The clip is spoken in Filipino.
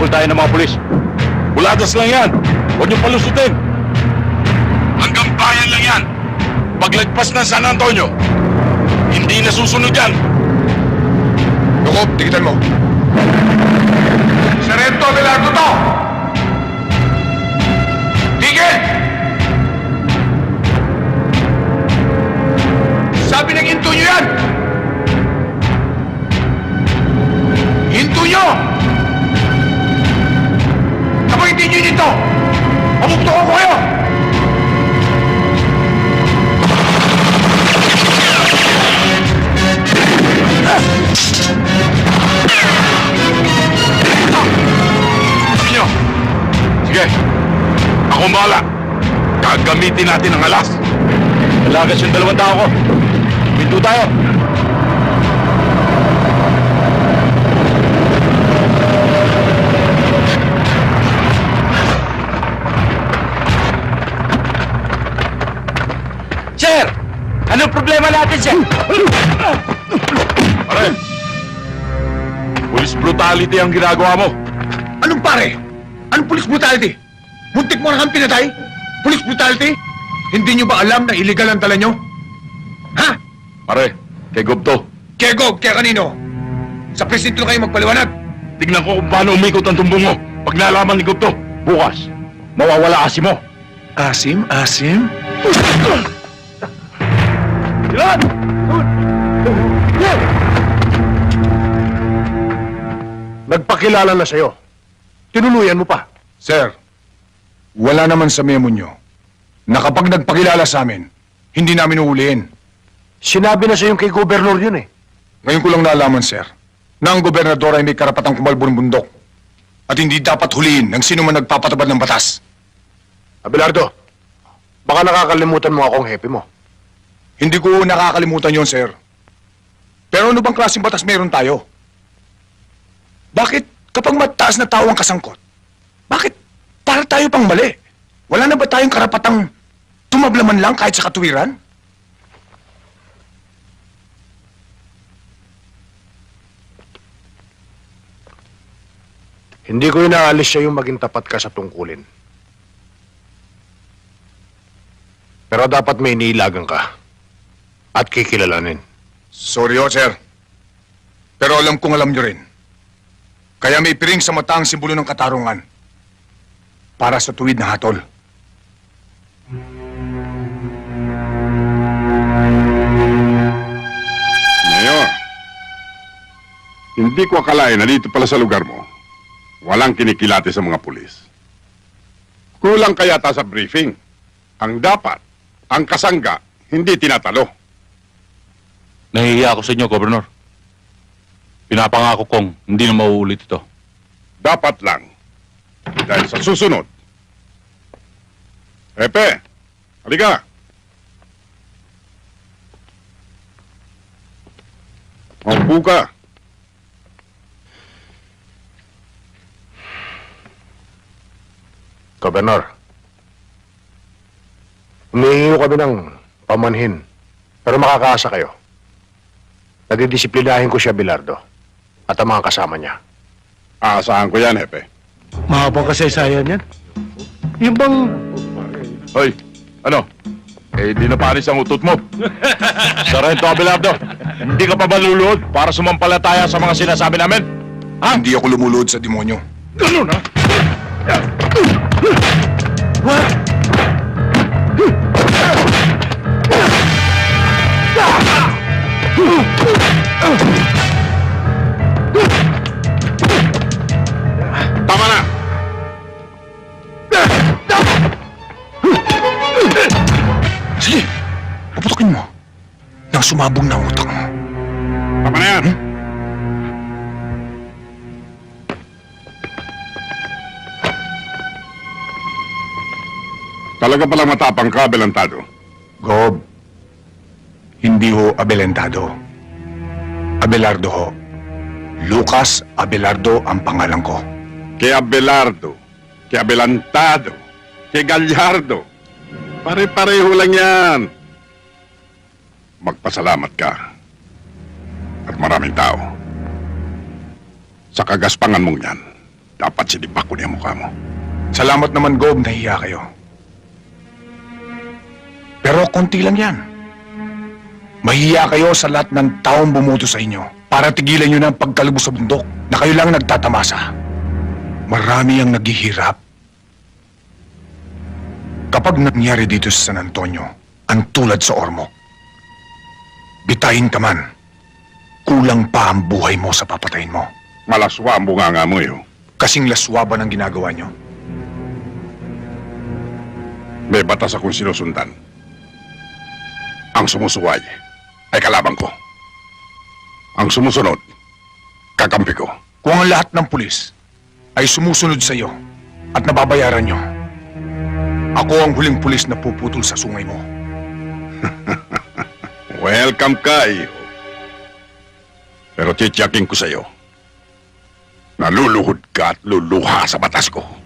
Habol tayo ng mga pulis. Buladas lang yan. Huwag niyong palusutin. Hanggang bayan lang yan. Paglagpas ng San Antonio, hindi nasusunod yan. Jacob, tigitan mo. Sarento Abelardo to! Tigil! Sabi ng hinto nyo yan! Hinto nyo! Kapag hindi nyo dito, pamukto ko kayo! Nyo! Sige, akong bahala. Gagamitin natin ang alas. Malagas yung dalawang tao ko. Pinto tayo. Sir! Anong problema natin, sir? Pare! Police brutality ang ginagawa mo. Anong pare? Anong police brutality? Muntik mo na kang pinatay? Police brutality? Hindi nyo ba alam na illegal ang tala nyo? Ha? Pare, kay Gobto. Kaya Gob, kaya kanino? Sa presinto na kayo magpaliwanag. Tignan ko kung paano umikot ang tumbong mo. Pag nalaman ni Gobto, bukas, mawawala asim mo. Asim? Asim? Ilan! Nagpakilala na sa'yo. Tinuluyan mo pa. Sir, wala naman sa memo nyo na kapag nagpakilala sa amin, hindi namin uhulihin. Sinabi na sa'yo kay gobernador yun eh. Ngayon ko lang nalaman, sir, na ang gobernador ay may karapatang kumalbo ng bundok at hindi dapat huliin ng sino man nagpapatabad ng batas. Abelardo, baka nakakalimutan mo akong hepe mo. Hindi ko nakakalimutan yon, sir. Pero ano bang klaseng batas meron tayo? Bakit kapag mataas na tao ang kasangkot, bakit para tayo pang mali? Wala na ba tayong karapatang tumablaman lang kahit sa katuwiran? Hindi ko inaalis sa'yo maging tapat ka sa tungkulin. Pero dapat may iniilagan ka at kikilalanin. Sorry, sir. Pero alam kong alam nyo rin. Kaya may piring sa mata ang simbolo ng katarungan para sa tuwid na hatol. Mayor, hindi ko akalain na dito pala sa lugar mo, walang kinikilati sa mga pulis. Kulang kaya ta sa briefing. Ang dapat, ang kasangga, hindi tinatalo. Nahihiya ako sa inyo, Gobernador. Pinapangako kong hindi na mauulit ito. Dapat lang. Dahil sa susunod. Epe, halika. Maupo ka. Gobernador, humihingi kami ng pamanhin, pero makakaasa kayo. Nadidisiplinahin ko siya, Abelardo, at ang mga kasama niya. Aasahan ko yan, Epe. Mahabang kasaysayan yan. Yung bang... Hoy, ano? Eh, di na panis ang utot mo. Sarento Abelardo, hindi ka pa ba luluhod para sumampalataya sa mga sinasabi namin? Ha? Hindi ako lumulod sa demonyo. Ganun, ha? Tama na! Sige, puputokin mo. Nang sumabog na ang utak mo. Tama na yan! Talaga palang matapang ka, Abelardo. Gob, hindi ho Abelentado. Abelardo ho. Lucas Abelardo ang pangalan ko. Kay Abelardo, kay Adelantado, kay Gallardo. Pare-pareho lang yan. Magpasalamat ka. At maraming tao. Sa kagaspangan mong yan, dapat sinibak ko niya mukha mo. Salamat naman, Gob, nahiya kayo. Pero konti lang yan. Mahiya kayo sa lahat ng taong bumuto sa inyo para tigilan nyo na ang pagkalubos sa bundok na kayo lang nagtatamasa. Marami ang naghihirap. Kapag nangyari dito sa San Antonio, ang tulad sa Ormoc, bitayin ka man, kulang pa ang buhay mo sa papatayin mo. Malaswa ang bunganga mo, eh. Kasing laswa ba ng ginagawa nyo? May batas akong sinusundan. Ang sumusuway ay kalabang ko. Ang sumusunod, kakampi ko. Kung ang lahat ng pulis ay sumusunod sa iyo at nababayaran nyo, ako ang huling pulis na puputol sa sungay mo. Welcome ka, iyo. Pero titiyakin ko sa'yo, naluluhod ka at luluha sa batas ko.